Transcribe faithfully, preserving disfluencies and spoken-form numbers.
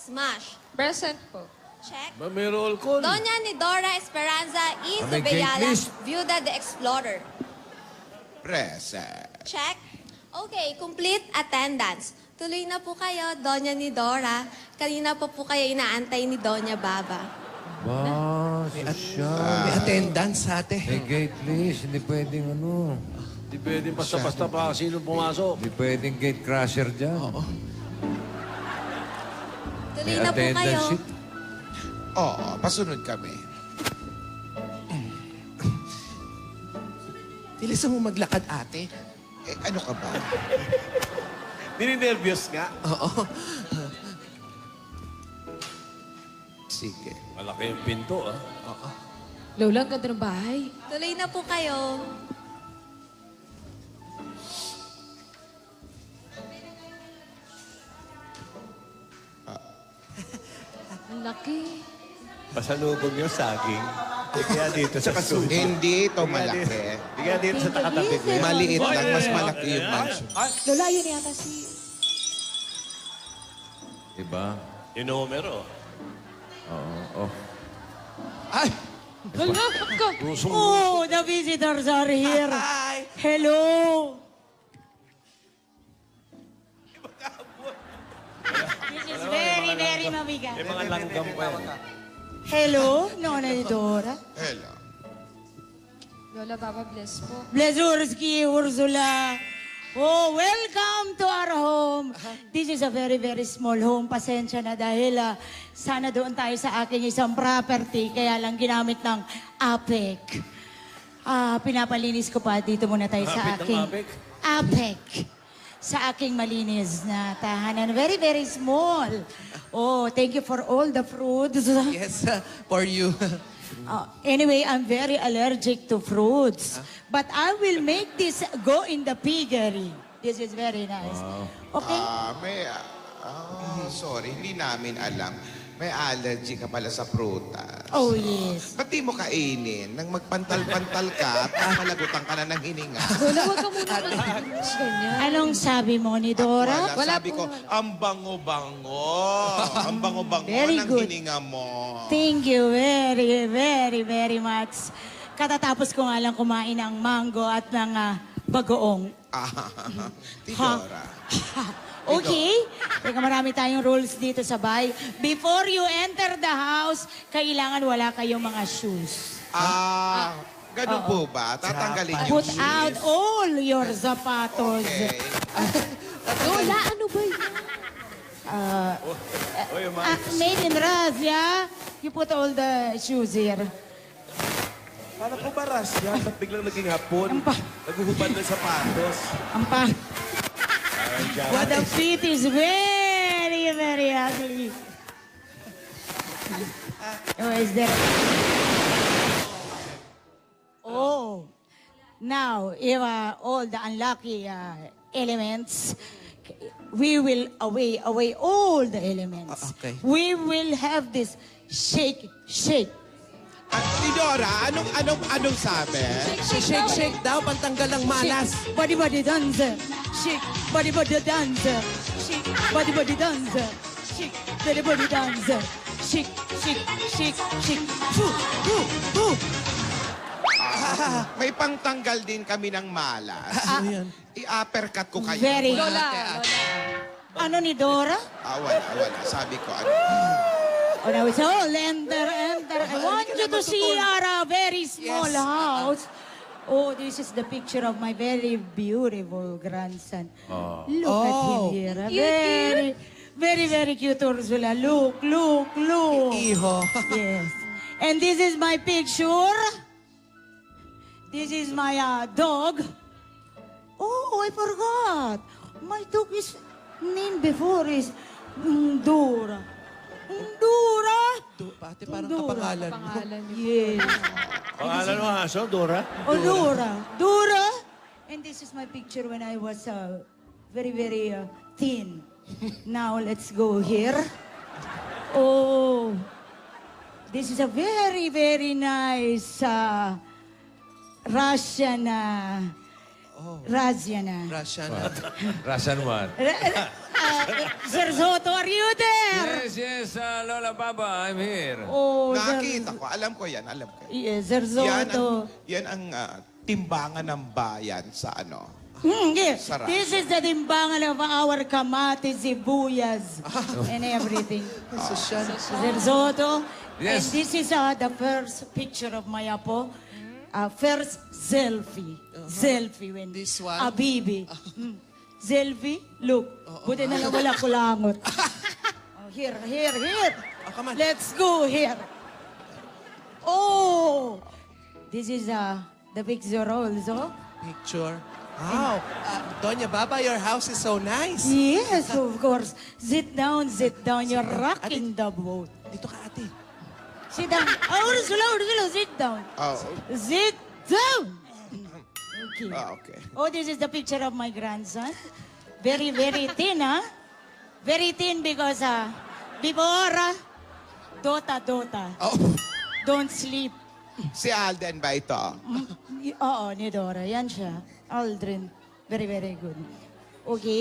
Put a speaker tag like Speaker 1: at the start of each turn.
Speaker 1: Smash.
Speaker 2: Present po.
Speaker 1: Check.
Speaker 3: Ba, may roll call.
Speaker 1: Doña ni Dora Esperanza E.
Speaker 4: Ah, may gate
Speaker 1: Zubeyala,
Speaker 4: list.
Speaker 1: Viuda de Explorer.
Speaker 5: Present.
Speaker 1: Check. Okay, complete attendance. Tuloy na po kayo, Doña ni Dora. Kanina po po kayo inaantay ni Doña Baba.
Speaker 4: Ba, sosyal.
Speaker 6: May attendance, ate.
Speaker 4: May gate list. Hindi pwedeng ano.
Speaker 3: Hindi pwedeng basta-basta pa sino pumasok.
Speaker 4: Hindi pwedeng gate crusher dyan. Oo.
Speaker 1: Tuloy na po kayo.
Speaker 4: sheet.
Speaker 5: Oo, pasunod kami.
Speaker 6: Bilis mo maglakad, ate.
Speaker 5: Eh, ano ka ba?
Speaker 3: Nininervyos nga.
Speaker 6: Oo.
Speaker 5: Sige.
Speaker 3: Malaki yung pinto, ah.
Speaker 2: Lola, ang ganda ng bahay.
Speaker 1: Tuloy na po kayo.
Speaker 2: Ang laki.
Speaker 7: Pasalubog yung saging. Kaya dito sa susunod.
Speaker 5: Hindi ito malaki.
Speaker 7: Kaya dito sa takatabi ko yan.
Speaker 5: Maliit lang, mas malaki yung mansion.
Speaker 2: Lola, yun yata si...
Speaker 4: Diba?
Speaker 3: Yung numero.
Speaker 4: Oo. Oh.
Speaker 6: Ay!
Speaker 2: Lola, ka.
Speaker 8: Oh, the visitors are here.
Speaker 6: Hi!
Speaker 8: Hello. This is very, very mabigat.
Speaker 7: May mga langgam pa yan.
Speaker 8: Hello, Nona ni Dora.
Speaker 5: Hello.
Speaker 2: Lola, Baba, bless po.
Speaker 8: Blazurski, Ursula. Oh, welcome to our home. This is a very, very small home. Pasensya na dahil ah, sana doon tayo sa aking isang property. Kaya lang ginamit ng APEC. Ah, pinapalinis ko pa. Dito muna tayo sa
Speaker 3: Hapit ng
Speaker 8: aking...
Speaker 3: APEC?
Speaker 8: APEC. Sa aking malinis na tahanan. Very, very small. Oh, thank you for all the fruits.
Speaker 6: Yes, uh, for you.
Speaker 8: Uh, anyway, I'm very allergic to fruits. But I will make this go in the piggery. This is very nice. Okay?
Speaker 5: Ah, may... ah, sorry, hindi namin alam. May allergy ka pala sa prutas.
Speaker 8: Oh, yes.
Speaker 5: Ba't di mo kainin? Nang magpantal-pantal ka at mamalagutan ka na ng hininga.
Speaker 2: Lola, huwag ka muna mag-English ganyan.
Speaker 8: Anong sabi mo ni Dora?
Speaker 5: Wala,
Speaker 2: Wala
Speaker 5: sabi
Speaker 2: po.
Speaker 5: ko, ang bango-bango. ang bango-bango
Speaker 8: Very
Speaker 5: ng
Speaker 8: good.
Speaker 5: hininga mo.
Speaker 8: Thank you very, very, very much. Katatapos ko nga lang kumain ng mango at ng ah, bagoong.
Speaker 5: Ah, Tidora.
Speaker 8: Okay? Teka, marami tayong rules dito sa bahay. Before you enter the house, kailangan wala kayong mga shoes.
Speaker 5: Ah, ganun po ba? Tatanggalin yung
Speaker 8: Put out all your zapatos.
Speaker 5: Okay.
Speaker 2: Lola, ano ba yun?
Speaker 7: Oy, yung mga...
Speaker 8: Ah, made in Russia. You put all the shoes here.
Speaker 7: Paano po ba, Rasya? Ba't biglang naging hapon?
Speaker 8: Ang pa-
Speaker 7: Naguhubad ng sapatos.
Speaker 8: Ang pa... But the feet is very, very ugly. Oh, is there... Oh. Now, if uh, all the unlucky uh, elements, we will away, away all the elements.
Speaker 6: Ah, okay.
Speaker 8: We will have this shake, shake.
Speaker 5: At Tidora, anong, anong, anong sabi?
Speaker 6: Shake, shake daw, pantanggal ng malas.
Speaker 8: Shake, body, body dancer. Shake, body, body dancer. Shake, body, body dancer. Shake, body, body dancer. Shake, shake, shake, shake. Foo, foo, foo.
Speaker 5: Ah, may pangtanggal din kami ng malas.
Speaker 6: Ano yan?
Speaker 5: I-uppercut ko kayo.
Speaker 8: Very.
Speaker 2: Lola, Lola.
Speaker 8: Ano ni Dora?
Speaker 5: Ah, wala, wala. Sabi ko, ano?
Speaker 8: Oh, now it's all enter, enter. I want you to see our uh, very small
Speaker 6: Yes.
Speaker 8: house. Oh, this is the picture of my very beautiful grandson. Look at him
Speaker 6: Oh.
Speaker 8: here. ah. Very, very, very cute, Ursula. Look, look, look.
Speaker 6: Iho.
Speaker 8: Yes. And this is my picture. This is my uh, dog. Oh, I forgot. My dog is named before is Dora. Dora.
Speaker 6: Do- Pati parang
Speaker 8: Dora.
Speaker 6: kapangalan mo.
Speaker 2: Pangalan niyo.
Speaker 8: Yes.
Speaker 3: Pangalan mo, aso, Dora?
Speaker 8: Oh, Dora. Dora. And this is my picture when I was uh, very, very uh, thin. Now, let's go here. Oh, this is a very, very nice uh, Russian uh, Raz yan ah.
Speaker 6: Russia na.
Speaker 4: Russian one.
Speaker 8: Ra- ra- ah, Sir Soto, are you there?
Speaker 4: Yes, yes, uh, Lola Baba, I'm here.
Speaker 8: Oh, Sir,
Speaker 5: Nakakita ko. Alam ko yan. Alam ko.
Speaker 8: yes, Sir
Speaker 5: Yan ang,
Speaker 8: Soto.
Speaker 5: yan ang ah, timbangan ng bayan sa ano.
Speaker 8: Hmm, yes.
Speaker 5: Sarap.
Speaker 8: This is the timbangan of our kamatis, sibuyas, and everything.
Speaker 6: Sosyal.
Speaker 8: Sir Soto,
Speaker 4: Yes.
Speaker 8: and this is uh, the first picture of my apo. Uh, first selfie. Selfie when
Speaker 6: This one?
Speaker 8: A baby. Mm. Selfie, look. Buti na lang wala kulangot. Oh, here, here, here.
Speaker 6: Oh, come on.
Speaker 8: Let's go here. Oh! This is uh, the picture also.
Speaker 6: Picture. Wow. Uh, Doña Baba, your house is so nice.
Speaker 8: Yes, of course. Sit down, sit down. You're rocking the boat.
Speaker 6: Dito ka, ate.
Speaker 8: Sit down. Oh, Ursula, Ursula, sit down.
Speaker 5: Oh,
Speaker 8: Sit down. Okay.
Speaker 5: ah, okay.
Speaker 8: Oh, this is the picture of my grandson. Very, very thin, huh? Very thin because uh, before, uh, Dota, Dota.
Speaker 5: Oh,
Speaker 8: Don't sleep.
Speaker 5: si Alden ba ito?
Speaker 8: Y- Oo, ni Dora. Yan siya. Aldrin. Very, very good. Okay.